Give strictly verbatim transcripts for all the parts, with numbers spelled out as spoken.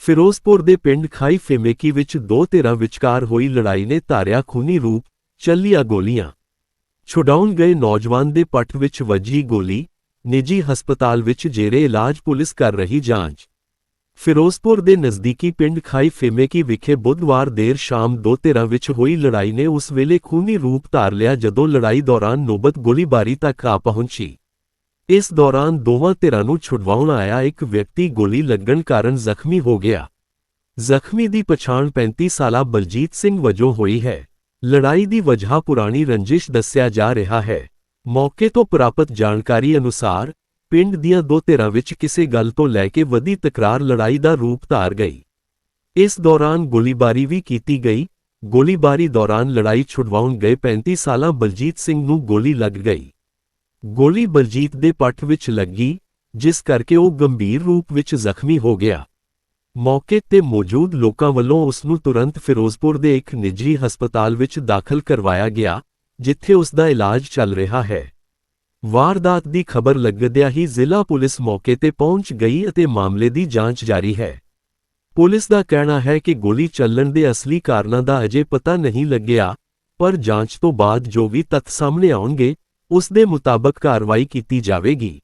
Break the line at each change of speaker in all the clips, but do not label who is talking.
ਫਿਰੋਜ਼ਪੁਰ ਦੇ ਪਿੰਡ ਖਾਈ ਫੇਮੇਕੀ ਵਿੱਚ ਦੋ ਧਿਰਾਂ ਵਿਚਕਾਰ ਹੋਈ ਲੜਾਈ ਨੇ ਧਾਰਿਆ ਖੂਨੀ ਰੂਪ, ਚੱਲੀਆਂ ਗੋਲੀਆਂ। ਛੁਡਾਉਣ ਗਏ ਨੌਜਵਾਨ ਦੇ ਪੱਟ ਵਿੱਚ ਵੱਜੀ ਗੋਲੀ, ਨਿੱਜੀ ਹਸਪਤਾਲ ਵਿੱਚ ਜੇਰੇ ਇਲਾਜ ਪੁਲਿਸ ਕਰ ਰਹੀ ਜਾਂਚ। ਫਿਰੋਜ਼ਪੁਰ ਦੇ ਨਜ਼ਦੀਕੀ ਪਿੰਡ ਖਾਈ ਫੇਮੇਕੀ ਵਿਖੇ ਬੁੱਧਵਾਰ ਦੇਰ ਸ਼ਾਮ ਦੋ ਧਿਰਾਂ ਵਿੱਚ ਹੋਈ ਲੜਾਈ ਨੇ ਉਸ ਵੇਲੇ ਖੂਨੀ ਰੂਪ ਧਾਰ ਲਿਆ ਜਦੋਂ ਲੜਾਈ ਦੌਰਾਨ ਨੌਬਤ ਗੋਲੀਬਾਰੀ ਤੱਕ ਆ ਪਹੁੰਚੀ। ਇਸ ਦੌਰਾਨ ਦੋਵਾਂ ਧਿਰਾਂ ਨੂੰ ਛੁਡਵਾਉਣ ਆਇਆ ਇੱਕ ਵਿਅਕਤੀ ਗੋਲੀ ਲੱਗਣ ਕਾਰਨ ਜ਼ਖਮੀ ਹੋ ਗਿਆ। ਜ਼ਖਮੀ ਦੀ ਪਛਾਣ ਪੈਂਤੀ ਸਾਲਾ ਬਲਜੀਤ ਸਿੰਘ ਵਜੋਂ ਹੋਈ ਹੈ। ਲੜਾਈ ਦੀ ਵਜ੍ਹਾ ਪੁਰਾਣੀ ਰੰਜਿਸ਼ ਦੱਸਿਆ ਜਾ ਰਿਹਾ ਹੈ। ਮੌਕੇ ਤੋਂ ਪ੍ਰਾਪਤ ਜਾਣਕਾਰੀ ਅਨੁਸਾਰ ਪਿੰਡ ਦੀਆਂ ਦੋ ਧਿਰਾਂ ਵਿੱਚ ਕਿਸੇ ਗੱਲ ਤੋਂ ਲੈ ਕੇ ਵਧੀ ਤਕਰਾਰ ਲੜਾਈ ਦਾ ਰੂਪ ਧਾਰ ਗਈ। ਇਸ ਦੌਰਾਨ ਗੋਲੀਬਾਰੀ ਵੀ ਕੀਤੀ ਗਈ। ਗੋਲੀਬਾਰੀ ਦੌਰਾਨ ਲੜਾਈ ਛੁਡਵਾਉਣ ਗਏ ਪੈਂਤੀ ਸਾਲਾ ਬਲਜੀਤ ਸਿੰਘ ਨੂੰ ਗੋਲੀ ਲੱਗ ਗਈ। ਗੋਲੀ ਬਲਜੀਤ ਦੇ ਪੱਟ ਵਿੱਚ ਲੱਗੀ, ਜਿਸ ਕਰਕੇ ਉਹ ਗੰਭੀਰ ਰੂਪ ਵਿੱਚ ਜ਼ਖਮੀ ਹੋ ਗਿਆ। ਮੌਕੇ ਤੇ ਮੌਜੂਦ ਲੋਕਾਂ ਵੱਲੋਂ ਉਸ ਨੂੰ ਤੁਰੰਤ ਫਿਰੋਜ਼ਪੁਰ ਦੇ ਇੱਕ ਨਿੱਜੀ ਹਸਪਤਾਲ ਵਿੱਚ ਦਾਖਲ ਕਰਵਾਇਆ ਗਿਆ, ਜਿੱਥੇ ਉਸ ਦਾ ਇਲਾਜ ਚੱਲ ਰਿਹਾ ਹੈ। ਵਾਰਦਾਤ ਦੀ ਖਬਰ ਲੱਗਦਿਆਂ ਹੀ ਜ਼ਿਲ੍ਹਾ ਪੁਲਿਸ ਮੌਕੇ ਤੇ ਪਹੁੰਚ ਗਈ ਅਤੇ ਮਾਮਲੇ ਦੀ ਜਾਂਚ ਜਾਰੀ ਹੈ। ਪੁਲਿਸ ਦਾ ਕਹਿਣਾ ਹੈ ਕਿ ਗੋਲੀ ਚੱਲਣ ਦੇ ਅਸਲੀ ਕਾਰਨਾਂ ਦਾ ਅਜੇ ਪਤਾ ਨਹੀਂ ਲੱਗਿਆ, ਪਰ ਜਾਂਚ ਤੋਂ ਬਾਅਦ ਜੋ ਵੀ ਤੱਥ ਸਾਹਮਣੇ ਆਉਣਗੇ, ਉਸ ਦੇ ਮੁਤਾਬਕ ਕਾਰਵਾਈ ਕੀਤੀ ਜਾਵੇਗੀ।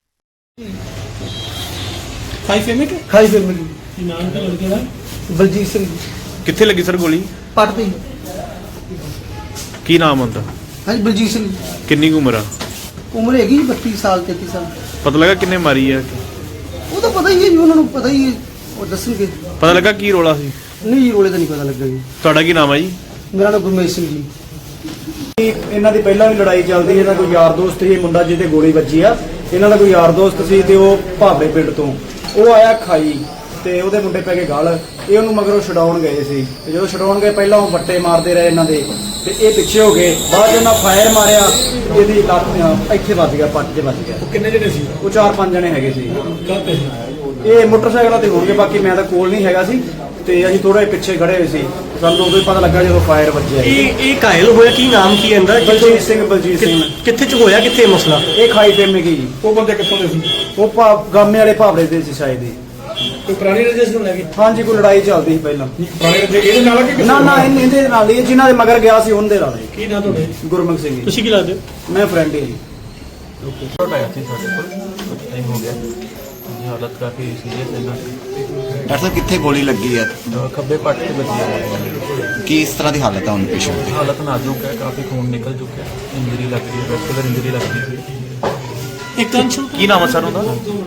ਖਾਈ ਫੇਮੇਕੀ
ਖਾਈ ਫੇਮੇਕੀ
ਕੀ ਨਾਮ ਤਾਂ ਲੜਕੇ ਦਾ?
ਬਲਜੀਤ ਸਿੰਘ।
ਕਿੱਥੇ ਲੱਗੀ ਸਰ ਗੋਲੀ?
ਪੱਟ ਤੇ।
ਕੀ ਨਾਮ ਹੁੰਦਾ?
ਹਾਂਜੀ ਬਲਜੀਤ ਸਿੰਘ।
ਕਿੰਨੀ ਕੁ ਉਮਰ ਆ?
ਉਮਰ ਹੈਗੀ ਬੱਤੀ ਸਾਲ ਤੇਤੀ ਸਾਲ।
ਪਤਾ ਲੱਗਾ ਕਿੰਨੇ ਮਾਰੀ ਆ?
ਉਹ ਤਾਂ ਪਤਾ ਹੀ ਹੈ ਜੀ, ਉਹਨਾਂ ਨੂੰ ਪਤਾ ਹੀ ਹੈ, ਉਹ ਦੱਸਣਗੇ।
ਪਤਾ ਲੱਗਾ ਕੀ ਰੋਲਾ ਸੀ?
ਨਹੀਂ ਜੀ, ਰੋਲੇ ਤਾਂ ਨਹੀਂ ਪਤਾ ਲੱਗਾ ਜੀ।
ਤੁਹਾਡਾ ਕੀ ਨਾਮ ਆ ਜੀ?
ਮੇਰਾ ਨਾਮ ਗੁਰਮੇਸ਼ ਸਿੰਘ ਜੀ।
ਇਹਨਾਂ ਦੀ ਪਹਿਲਾਂ ਵੀ ਲੜਾਈ ਚੱਲਦੀ, ਇਹਨਾਂ ਕੋਈ ਯਾਰ ਦੋਸਤ ਸੀ, ਮੁੰਡਾ ਜਿਹਦੇ ਗੋਲੀ ਵੱਜੀ ਆ, ਇਹਨਾਂ ਦਾ ਕੋਈ ਯਾਰ ਦੋਸਤ ਸੀ ਤੇ ਉਹ ਭਾਬੜੇ ਪਿੰਡ ਤੋਂ ਉਹ ਆਇਆ ਖਾਈ ਤੇ ਉਹਦੇ ਮੁੰਡੇ ਪੈ ਕੇ ਗਲ, ਇਹ ਉਹਨੂੰ ਮਗਰੋਂ ਛਡਾਉਣ ਗਏ ਸੀ ਤੇ ਜਦੋਂ ਛਡਾਉਣ ਗਏ ਪਹਿਲਾਂ ਉਹ ਵੱਟੇ ਮਾਰਦੇ ਰਹੇ ਇਹਨਾਂ ਦੇ ਤੇ ਇਹ ਪਿੱਛੇ ਹੋ ਗਏ। ਬਾਅਦ 'ਚ ਉਹਨਾਂ ਫਾਇਰ ਮਾਰਿਆ, ਇਹਦੀ ਲੱਤ ਇੱਥੇ ਵੱਜ ਗਿਆ, ਪੱਟ 'ਚ ਵੱਜ ਗਿਆ।
ਉਹ ਕਿੰਨੇ ਜਣੇ ਸੀ?
ਉਹ ਚਾਰ ਪੰਜ ਜਣੇ ਹੈਗੇ ਸੀ।
ਕਾਹਤੇ?
ਇਹ ਮੋਟਰਸਾਈਕਲਾਂ ਤੇ ਹੋਣਗੇ, ਬਾਕੀ ਮੈਂ ਤਾਂ ਕੋਲ ਨਹੀਂ ਹੈਗਾ ਸੀ ਤੇ ਅਸੀਂ ਥੋੜਾ ਜਿਹਾ ਪਿੱਛੇ ਖੜੇ ਹੋਏ ਸੀ। ਸਾਨੂੰ ਉਦੋਂ ਹੀ ਪਤਾ ਲੱਗਾ ਜਦੋਂ ਫਾਇਰ ਵੱਜਿਆ।
ਇਹ ਇਹ ਘਾਇਲ ਹੋਇਆ, ਕੀ ਨਾਮ ਕੀ ਹੈ ਇਹਦਾ?
ਬਲਜੀਤ ਸਿੰਘ। ਬਲਜੀਤ ਸਿੰਘ।
ਕਿੱਥੇ ਚ ਹੋਇਆ, ਕਿੱਥੇ ਇਹ ਮਸਲਾ?
ਇਹ ਖਾਈ ਫੇਮੇਕੀ ਜੀ।
ਉਹ ਬੰਦੇ ਕਿੱਥੋਂ ਦੇ ਸੀ?
ਉਹ ਭਾ ਗਾਮੇ ਵਾਲੇ ਭਾਵੜੇ ਦੇ ਸੀ ਸ਼ਾਇਦ ਹੀ।
ਕੋਈ ਪੁਰਾਣੀ ਰਜਿਸਟਰ ਨੂੰ ਲੈ ਕੇ?
ਹਾਂਜੀ, ਕੋਈ ਲੜਾਈ ਚੱਲਦੀ ਸੀ ਪਹਿਲਾਂ।
ਪੁਰਾਣੀ ਰਜਿਸਟਰ ਇਹਦੇ ਨਾਲ ਕਿ
ਨਾ ਨਾ ਇਹਨੇ- ਇਹਦੇ ਨਾਲ ਹੀ, ਜਿਨ੍ਹਾਂ ਦੇ ਮਗਰ ਗਿਆ ਸੀ ਉਹਨਾਂ ਦੇ ਨਾਲ ਹੀ।
ਕੀ ਨਾਮ ਤੁਹਾਡੇ?
ਗੁਰਮੁਖ ਸਿੰਘ ਜੀ।
ਤੁਸੀਂ ਕੀ ਲੱਗਦੇ?
ਮੈਂ ਫਰੈਂਡ ਹੀ ਜੀ।
हालत काफ़ी सीरियस है ना।
डॉक्टर साहब कितने गोली लगी है?
खब्बे पट से बची है।
किस तरह की हालत है उन पेशेंट की?
हालत नाजुक है, काफ़ी खून निकल चुका है, इंजरी लग रही है, वेस्कुलर इंजरी लग रही है।
ਇੱਕ ਅੰਸ਼
ਕੀ ਨਾਮ ਆ ਸਰ ਉਹਦਾ?